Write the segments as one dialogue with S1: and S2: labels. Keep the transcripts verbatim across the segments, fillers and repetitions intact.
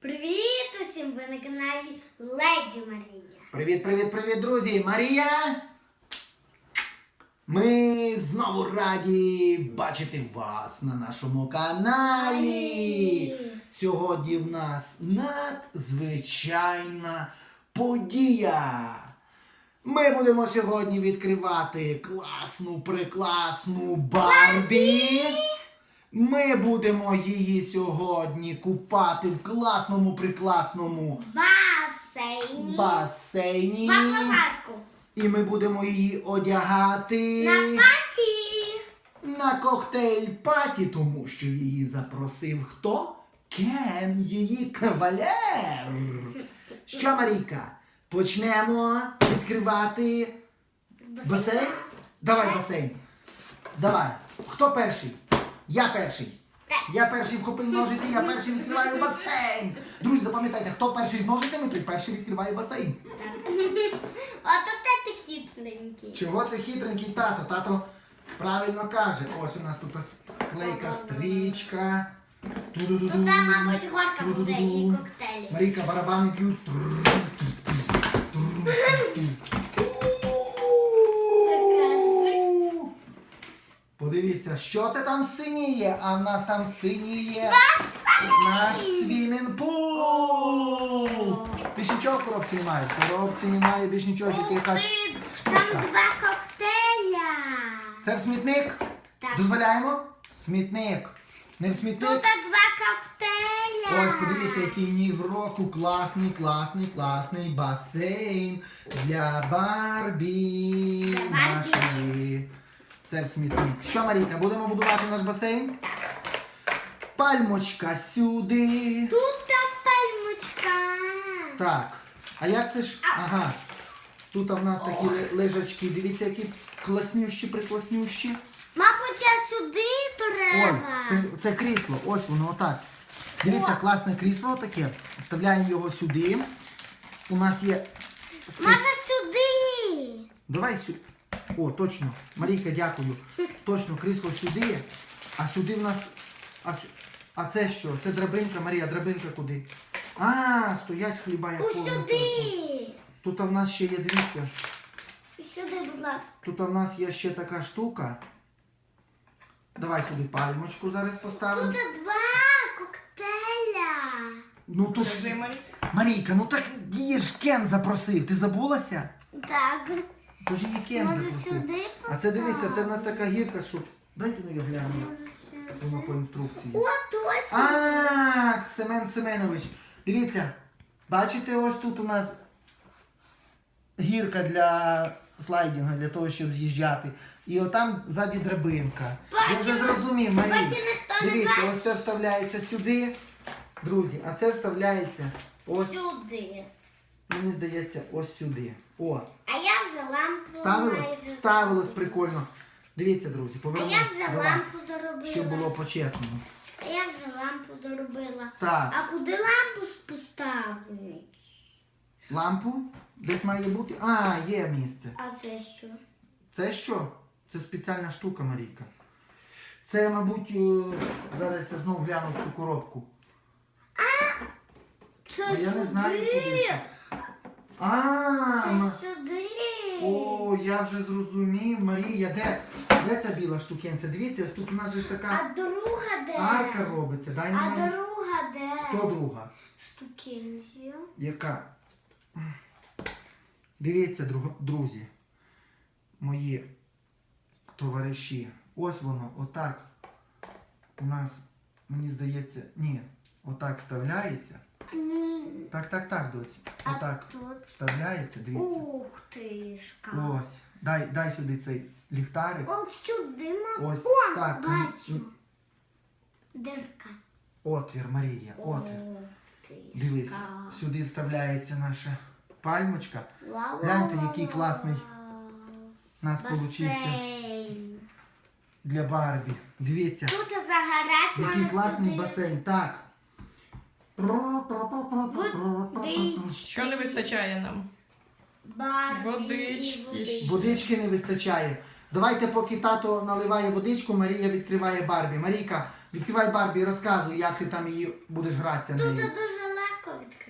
S1: Привіт усім! Ви на каналі Леді Марія.
S2: Привіт, привіт, привіт, друзі! Марія! Ми знову раді бачити вас на нашому каналі. Сьогодні в нас надзвичайна подія. Ми будемо сьогодні відкривати класну, прекрасну Барбі. Ми будемо її сьогодні купати в класному, прекрасному
S1: Басейні.
S2: басейні.
S1: В аквапарку.
S2: І ми будемо її одягати
S1: На паті.
S2: на коктейль-паті, тому що її запросив хто? Кен, її кавалер. Що, Марійка, почнемо відкривати басейн? Давай басейн. Давай. Хто перший? Я перший. Я перший вхопив ножиці, я перший відкриваю басейн. Друзі, запам'ятайте, хто перший з ножицями, той перший відкриває басейн.
S1: Ото ти хитренький.
S2: Чого це хитренький тато? Тато правильно каже. Ось у нас тут клейка стрічка.
S1: Тут там, мабуть, горка буде і коктейлі.
S2: Марійка, барабани б'ють. Подивіться, що це там синіє, а в нас там синіє наш свімінг-пул. Більш нічого в коробці немає. В коробці немає більш нічого, тільки якась
S1: Там
S2: штучка.
S1: два коктейля.
S2: Це в смітник?
S1: Так.
S2: Дозволяємо? Смітник. Не в
S1: Тут
S2: смітник?
S1: два коктейля.
S2: Ось, подивіться, який ні в року класний, класний, класний басейн для Барбі
S1: Для Барбі.
S2: нашої. Це в смітник. Що, Марійка, будемо будувати наш басейн? Пальмочка сюди.
S1: Тут та пальмочка.
S2: Так. А як це ж? Ага. Тут в нас такі ли- лежачки. Дивіться, які класнющі, прикласнющі.
S1: Мабуть, а сюди
S2: Ой,
S1: треба.
S2: це, це крісло. Ось воно отак. Дивіться, класне крісло таке. Вставляємо його сюди. У нас є... спец-
S1: Може сюди.
S2: Давай сюди. О, точно. Марійка, дякую. Точно, крісло сюди. А сюди в нас... А, сю- а це що? Це драбинка, Марія, драбинка куди? А, стоять хліба, як
S1: Ось
S2: повністю.
S1: сюди.
S2: Тут в нас ще є, дивіться.
S1: Сюди, будь ласка.
S2: Тут в нас є ще така штука. Давай сюди пальмочку зараз поставимо.
S1: Тут два коктейля.
S2: Ну то ж... Марійка, ну так її ж Кен запросив. Ти забулася?
S1: Так.
S2: Тож її Кен
S1: Може
S2: запросив.
S1: сюди
S2: А це дивися, це в
S1: поставити?
S2: нас така гірка, що... Дайте ну я гляну.
S1: Може сюди.
S2: Воно по інструкції.
S1: О, точно.
S2: Ах, Семен Семенович. Дивіться, бачите, ось тут у нас гірка для слайдінгу, для того, щоб з'їжджати. І отам ззаді драбинка. Я вже
S1: Бачила.
S2: зрозумів, Марій.
S1: Бачила, хто не
S2: Дивіться,
S1: бачить.
S2: ось це вставляється сюди. Друзі, а це вставляється ось,
S1: Сюди.
S2: мені здається, ось сюди. О,
S1: А я вже лампу
S2: ставилось?
S1: майже
S2: Ставилось
S1: зробила.
S2: прикольно. Дивіться, друзі,
S1: А
S2: повернемо
S1: я вже
S2: до вас,
S1: лампу заробила.
S2: щоб було по-чесному.
S1: А я вже лампу заробила.
S2: Так.
S1: А куди лампу поставити?
S2: Лампу десь має бути. А, є місце.
S1: А це що?
S2: Це що? Це спеціальна штука, Марійка. Це, мабуть, е, зараз я знову гляну в цю коробку.
S1: Це
S2: А я не знаю,
S1: сюди.
S2: куди це. А,
S1: Це
S2: м-
S1: сюди.
S2: о, я вже зрозумів, Марія, де? Де ця біла штукенця? Дивіться, тут у нас же ж
S1: А
S2: така
S1: друга де?
S2: арка робиться. Дай
S1: А
S2: мені.
S1: друга де?
S2: Хто друга?
S1: Штукенція.
S2: Яка? Дивіться, друг- друзі, мої товариші. Ось воно, отак. У нас, мені здається, ні, отак вставляється.
S1: Ні.
S2: Так, так, так, доці.
S1: А
S2: Отак
S1: тут?
S2: вставляється, дивіться.
S1: Ух тишка.
S2: Ось. Дай, дай сюди цей ліхтарик.
S1: От сюди, мабуть.
S2: Ось
S1: О,
S2: так.
S1: бачу. Дирка.
S2: Отвір, Марія, отвір.
S1: Ух тишка.
S2: Дивись, сюди вставляється наша пальмочка.
S1: Вау,
S2: Гляньте,
S1: вау,
S2: який
S1: вау,
S2: класний
S1: вау.
S2: у нас получився
S1: Басейн.
S2: для Барбі. Дивіться,
S1: Тут загорать
S2: який
S1: можна
S2: класний
S1: сюди.
S2: басейн. Так.
S1: Водички.
S3: Що не вистачає нам?
S1: Барбі і
S3: Водички.
S1: водички.
S2: Водички не вистачає. Давайте, поки тато наливає водичку, Марія відкриває Барбі. Марійка, відкривай Барбі і розказуй, як ти там її будеш гратися
S1: Тут
S2: нею.
S1: дуже легко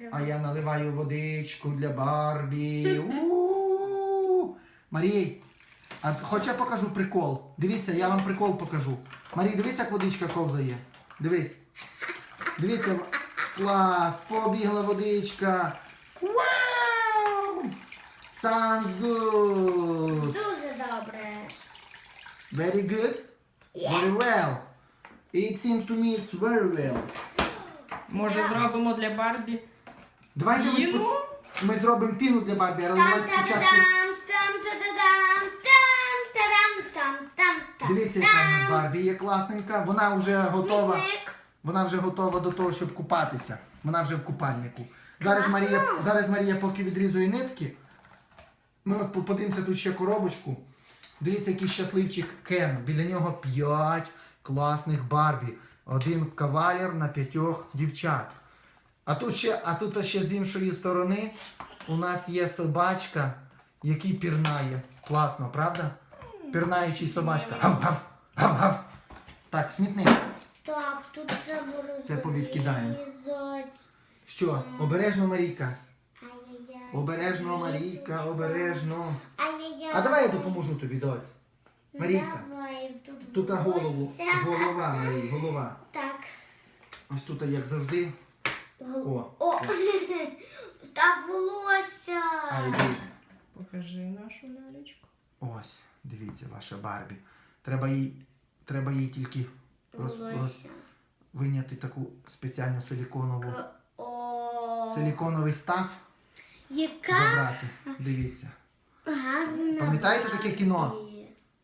S1: відкривати.
S2: А я наливаю водичку для Барбі. У-у-у. Марій, а хоч я покажу прикол. Дивіться, я вам прикол покажу. Марій, дивись, як водичка ковзає. Дивись. Дивіться, клас, побігла водичка. Вау! Sounds good.
S1: Дуже добре.
S2: Very good? Very well. It seems to me it's very well.
S3: Може зробимо для Барбі
S2: Давайте ми,
S3: піну?
S2: спо- ми зробимо піну для Барбі, але
S1: Там
S2: давайте
S1: там
S2: спочатку...
S1: там там там там там там там.
S2: Дивіться, яка в нас Барбі є класненька. Вона вже готова.
S1: Смітник.
S2: Вона вже готова до того, щоб купатися. Вона вже в купальнику. Зараз
S1: Класно.
S2: Марія, зараз Марія поки відрізує нитки. Ми от по- подивимося тут ще коробочку. Дивіться, який щасливчик Кен. Біля нього п'ять класних Барбі. Один кавалер на п'ятьох дівчат. А тут ще, а тут ще з іншої сторони у нас є собачка, який пірнає. Класно, правда? Пірнаючий собачка. Гав-гав, гав-гав. Так, смітник.
S1: Так, тут треба розрізати.
S2: Це повідкидаємо. Що? Обережно, Марійка.
S1: Ай-яй-яй.
S2: Обережно, Марійка, обережно.
S1: Ай-яй-яй.
S2: А давай я допоможу тобі, доць. Марійка.
S1: Давай, тут
S2: Тут голову.
S1: волосся.
S2: Голова, Марій, голова.
S1: Так.
S2: Ось тут, як завжди.
S1: Гол-
S2: О.
S1: О. Так, волосся.
S2: Ай,
S3: Покажи нашу лялечку.
S2: ось, дивіться, ваша Барбі. Треба їй, треба їй тільки роз, роз,
S1: Волосся.
S2: виняти таку спеціальну силіконову,
S1: О.
S2: силіконовий став,
S1: Яка
S2: забрати. Дивіться.
S1: гарна.
S2: Пам'ятаєте таке кіно?
S1: Барбі.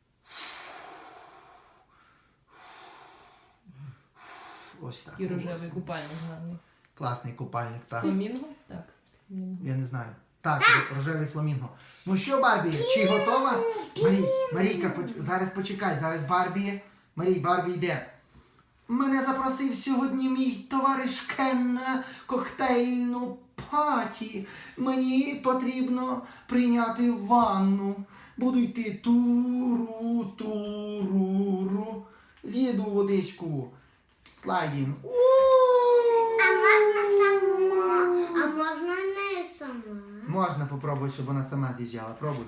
S2: Ось так.
S3: І рожевий
S2: волосся.
S3: купальник гарний.
S2: Класний купальник, так.
S3: Фламінго? Так. фламінго.
S2: Я не знаю. Так, рожевий фламінго. Ну що, Барбі, чи готова? Марій, Марійка, поч- зараз почекай, зараз Барбі. Марій, Барбі йде. Мене запросив сьогодні мій товариш Кен на коктейльну паті. Мені потрібно прийняти ванну. Буду йти туру, туру. З'їду водичку. Слайдін.
S1: А можна сама, а можна не сама.
S2: Можна попробувати, щоб вона сама з'їжджала. Пробуй.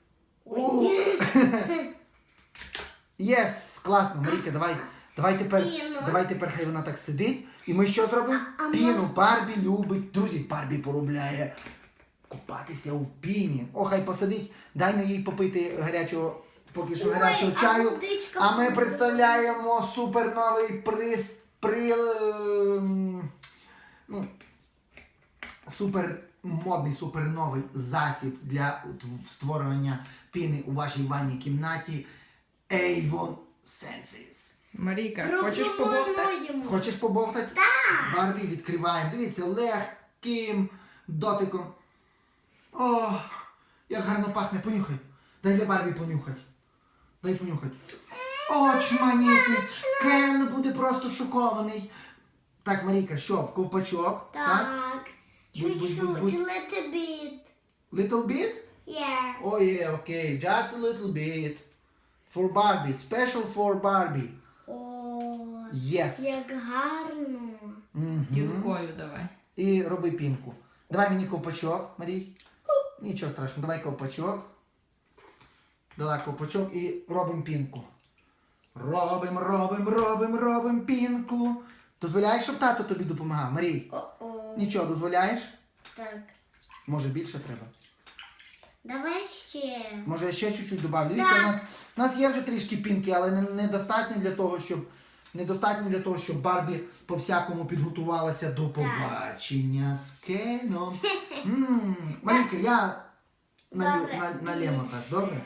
S2: Єс, класно, Марійка, давай. Давай тепер,
S1: Піну.
S2: давай тепер хай вона так сидить. І ми що зробимо?
S1: А- а
S2: Піну.
S1: мож-
S2: Барбі любить. Друзі, Барбі поробляє купатися у піні. О, хай посидить. Дай на їй попити гарячого, поки що
S1: Ой,
S2: гарячого
S1: а
S2: чаю.
S1: водичка
S2: А ми
S1: буде.
S2: представляємо суперновий приз, при, ем, ну, супер модний, суперновий засіб для створення піни у вашій ванній кімнаті Avon Senses.
S3: Марійка, хочеш побовтати?
S1: Пропонуємо.
S2: Хочеш побовтати? Так! Барбі, відкриваємо. Дивіться, легким дотиком. О, як гарно пахне. Понюхай. Дай для Барбі понюхати. Дай понюхати. О, чманітний. Кен буде просто шокований. Так, Марійка, що, в ковпачок?
S1: Так.
S2: Будь, будь,
S1: Чуть-чуть,
S2: будь, будь.
S1: little bit.
S2: Little bit?
S1: Yeah.
S2: Oh yeah, okay. Just a little bit. For Barbie. Special for Barbie.
S1: О,
S2: Yes.
S1: як гарно.
S2: Мгм.
S3: І рукою давай.
S2: І роби пінку. Давай мені ковпачок, Марій. Нічого страшного, давай ковпачок. Дала ковпачок і робимо пінку. Робимо, робимо, робимо, робимо пінку. Дозволяєш, щоб тато тобі допомагав, Марій?
S1: О-о.
S2: Нічого, дозволяєш?
S1: Так.
S2: Може більше треба?
S1: Давай ще.
S2: Може я ще чуть-чуть добавлю. Дивіться, у нас, у нас є вже трішки пінки, але не- недостатньо для того, щоб недостатньо для того, щоб Барбі по-всякому підготувалася до побачення з Кеном. М, Марійка, я налю,
S1: Добре.
S2: на, налємо так, добре?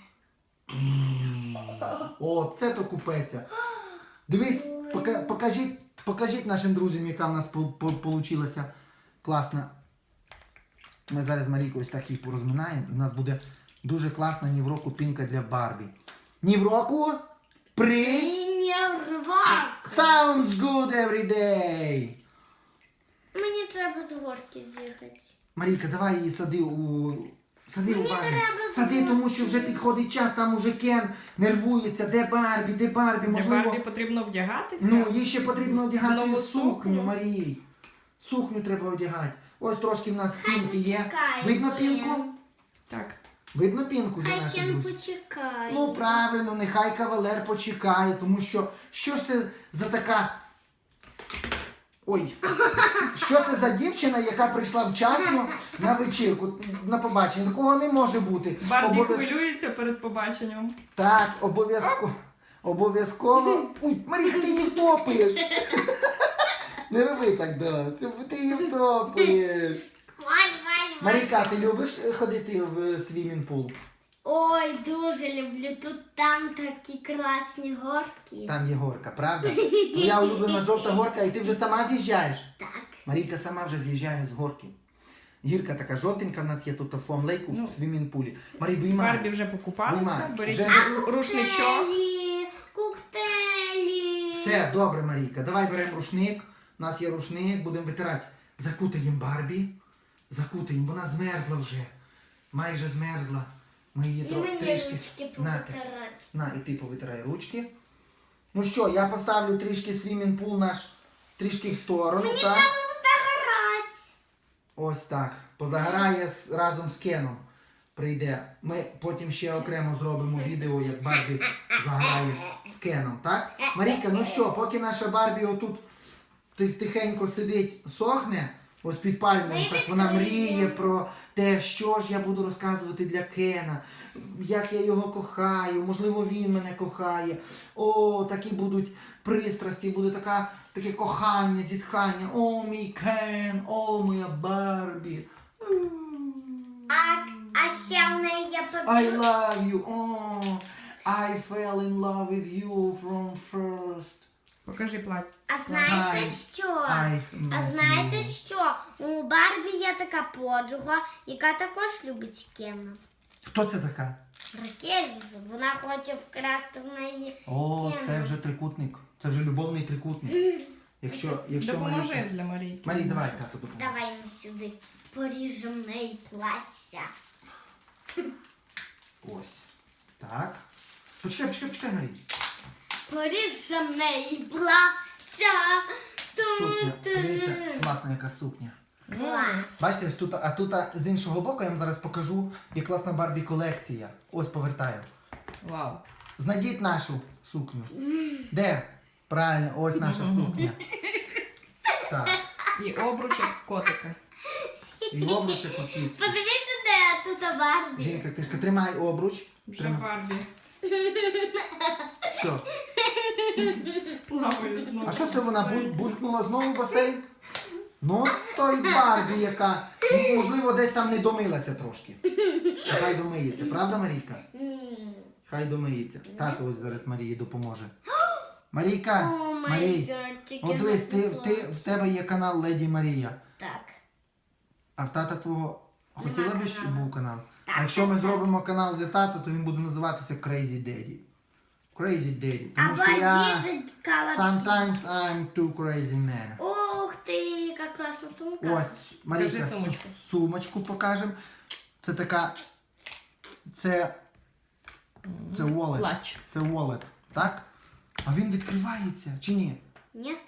S2: О, це то купеться. Дивись, пока, покажіть, покажіть нашим друзям, яка в нас по- по- получилася класна. Ми зараз з Марійкою ось так її порозминаємо, і в нас буде дуже класна ні в року пінка для Барбі. Ні в року при
S1: І не рвак.
S2: Sounds good every day.
S1: Мені треба з горки з'їхати.
S2: Марійка, давай її сади у. Сади у
S1: Мені
S2: Барбі.
S1: треба
S2: Сади, тому що вже підходить час, там уже Кен нервується. Де Барбі, де Барбі,
S3: Для
S2: можливо.
S3: Барбі потрібно вдягатися.
S2: Ну, їй ще потрібно одягати
S3: Нову
S2: сукню,
S3: сукню.
S2: Марій. Сукню треба одягати. Ось трошки в нас пінки є.
S1: почекає,
S2: Видно
S1: Кен.
S2: пінку?
S3: Так.
S2: Видно пінку для
S1: Хай
S2: наших
S1: Кен
S2: друзів?
S1: почекає.
S2: Ну правильно, нехай кавалер почекає, тому що що ж це за така. Ой, що це за дівчина, яка прийшла вчасно на вечірку, на побачення? Такого не може бути.
S3: Барбі
S2: Обов'яз-
S3: хвилюється перед побаченням.
S2: Так, обов'язково. Обов'язково. Ой, Маріка, ти її втопиш. Не роби так, да. Це ти її втопиш.
S1: Вай, вай, вай.
S2: Маріка, ти любиш ходити в свімінг-пул?
S1: Ой, дуже люблю. Тут там такі класні горки.
S2: Там є горка, правда? Твоя улюблена жовта горка, і ти вже сама з'їжджаєш.
S1: Так.
S2: Марійка сама вже з'їжджає з горки. Гірка така жовтенька в нас є тут у фон-лейку
S3: Ну.
S2: в свімінг-пулі. Марій, виймай.
S3: Барбі вже покупалася.
S2: Виймай.
S3: Беріть
S2: Вже-
S3: ру- рушничок.
S1: Коктейлі, коктейлі.
S2: Все, добре, Марійка. Давай беремо рушник. У нас є рушник, будемо витирати. Закутаємо Барбі. Закутаємо. Вона змерзла вже. Майже змерзла. Ми її
S1: І
S2: тро-
S1: мені
S2: трішки.
S1: ручки
S2: Нате.
S1: повитирати.
S2: На, і ти повитирай ручки. Ну що, я поставлю трішки свімінг-пул наш трішки в сторону, так?
S1: Загорать.
S2: Ось так. Позагорає з- разом з Кеном. Прийде. Ми потім ще окремо зробимо відео, як Барбі заграє з Кеном, так? Марійка, ну що, поки наша Барбі отут ти- тихенько сидить, сохне, ось під пальмою,
S1: Ми
S2: так вона
S1: відкриємо.
S2: мріє про те, що ж я буду розказувати для Кена, як я його кохаю, можливо, він мене кохає. О, такі будуть пристрасті, буде така, таке кохання, зітхання. О, мій Кен, о, моя Барбі.
S1: А, а ще в неї є
S2: I
S1: подружка.
S2: love you. Oh, I fell in love with you from first.
S3: Покажи плаття.
S1: А знаєте
S2: Ай,
S1: що?
S2: I
S1: А
S2: met
S1: знаєте
S2: you.
S1: що? У Барбі є така подруга, яка також любить Кена.
S2: Хто це така?
S1: Ракельз, вона хоче вкрасти в неї
S2: О,
S1: Кена.
S2: це вже трикутник. Це вже любовний трикутник. Якщо, якщо
S3: Допоможи
S2: Марійка-
S3: для Марійки.
S2: Марій, давай, тато, допоможе.
S1: Давай ми сюди поріжемо в неї плаття.
S2: Ось. Так. Почекай, почекай, почекай, Марій.
S1: Поріжемо в неї плаття.
S2: Сукня.
S1: Ту-ту.
S2: Дивіться, класна яка сукня.
S1: Клас.
S2: Бачите, ось тут, а тут а, з іншого боку я вам зараз покажу, як класна Барбі колекція. Ось повертаю.
S3: Вау.
S2: Знайдіть нашу сукню. Де? Правильно, ось наша сукня. Так.
S3: І обручок в котика.
S2: І обручок от кіцьки.
S1: Подивіться, де тут Барбі.
S2: Жінка, кишка, тримай обруч.
S3: Вже
S2: Тримай.
S3: Барбі
S2: Що?
S3: плаває знову.
S2: А що це вона буль- булькнула знову в басейн? Ну, то й Барбі, яка, ну, можливо, десь там не домилася трошки. Хай домиється, правда, Марійка?
S1: Ні.
S2: Хай домиється. Тато ось зараз Марії допоможе. Марійка,
S1: О, май
S2: Марій,
S1: гад,
S2: от дивись, ти, ти, в тебе є канал Леді Марія.
S1: Так.
S2: А в тата твого хотіла би, щоб
S1: каналу.
S2: був канал?
S1: Так,
S2: А якщо ми
S1: так,
S2: зробимо канал для тата, то він буде називатися Crazy Daddy. Crazy Daddy. Тому
S1: Або
S2: що я...
S1: дід Калапі.
S2: Sometimes I'm too crazy man.
S1: Ух ти, яка класна сумка.
S2: Ось, Марійка,
S3: Покажи сумочку.
S2: су- сумочку покажемо. Це така... Це... Це wallet.
S3: Клач.
S2: Це wallet, так? А він відкривається, чи ні?
S1: Ні?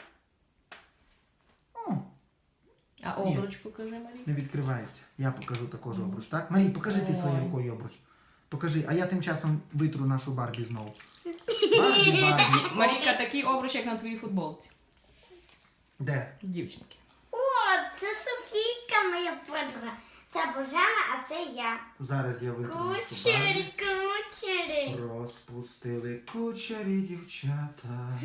S2: О,
S3: А обруч покажи, Марійка.
S2: не відкривається. Я покажу також обруч, так? Марій, покажи ти своєю
S3: Ой.
S2: рукою обруч. Покажи, а я тим часом витру нашу Барбі знову. Барбі, Барбі.
S3: Марійка, такий обруч, як на твоїй футболці.
S2: Де?
S3: Дівчинки.
S1: О, це Софійка, моя подруга. Це Божена, а це я.
S2: Зараз я витру нашу Барбі.
S1: Кучері, кучері.
S2: Розпустили кучері дівчата.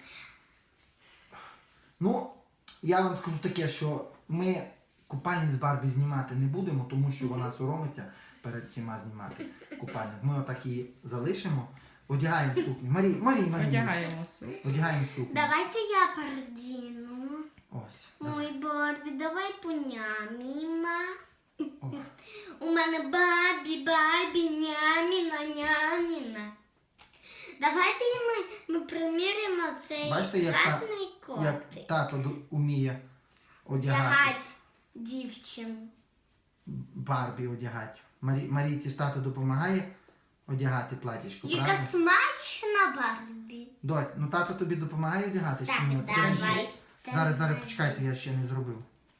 S2: Ну, я вам скажу таке, що ми купальник з Барбі знімати не будемо, тому що вона соромиться перед всіма знімати купальник. Ми отак її залишимо, одягаємо сукню. Марій, Марій, Марій.
S3: Одягаємо су.
S2: Одягаємо сукню.
S1: Давайте я передіну.
S2: Ось.
S1: Мой Барбі, давай поняміма.
S2: О.
S1: У мене Барбі, Барбі, няміна, няміна. Давайте і ми, ми приміряємо цей
S2: Бачите, як, та,
S1: гарний
S2: як
S1: котик.
S2: тато ду- уміє одягати.
S1: Тягать дівчину.
S2: Барбі одягати. Марі, Марійці ж тато допомагає одягати платічко,
S1: Яка
S2: правда?
S1: смачна Барбі.
S2: Доць, ну тато тобі допомагає одягати,
S1: Так,
S2: чи ні? От скажи.
S1: давай.
S2: Зараз, зараз, почекайте, я ще не зробив.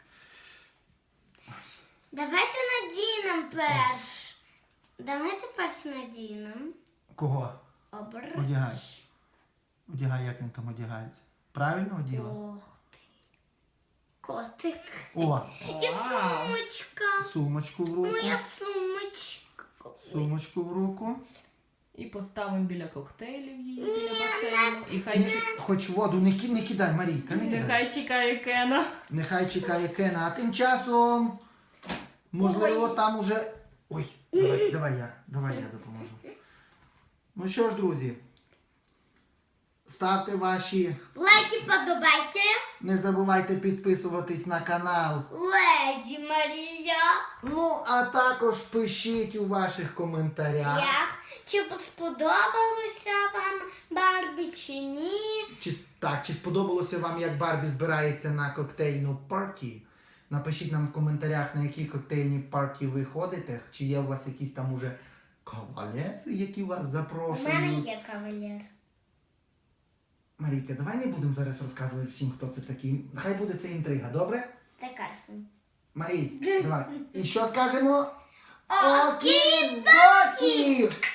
S1: Давайте надінемо перш. Давайте перш надінемо.
S2: Кого?
S1: Обруч.
S2: Одягай. Одягай, як він там одягається. Правильно оділа?
S1: Ох ти. Котик.
S2: О,
S1: І сумочка.
S2: сумочку в руку.
S1: Моя сумочка.
S2: Сумочку в руку.
S3: І поставимо біля коктейлів її,
S1: Ні,
S3: біля басейну. І хай,
S2: Ні,
S3: чек-
S2: хоч воду не, ки- не кидай, Марійка, не кидай.
S3: нехай чекає Кена.
S2: Нехай чекає Кена. А тим часом, можливо,
S1: Ой.
S2: там уже... Ой, давай, давай я, давай я допоможу. Ну що ж, друзі, ставте ваші,
S1: Лайки, подобайки.
S2: не забувайте підписуватись на канал.
S1: Леді Марія.
S2: Ну, а також пишіть у ваших коментарях,
S1: Як? Чи сподобалося вам Барбі чи ні?
S2: чи, так, чи сподобалося вам, як Барбі збирається на коктейльну парті. Напишіть нам в коментарях, на які коктейльні парті ви ходите, чи є у вас якісь там уже кавалери, які вас
S1: У мене
S2: запрошують.
S1: є кавалер.
S2: Марійка, давай не будемо зараз розказувати всім, хто це такий. Хай буде це інтрига, добре?
S1: Це Карсон.
S2: Марій, давай. І що скажемо?
S1: Окі-докі!
S2: Окі-докі!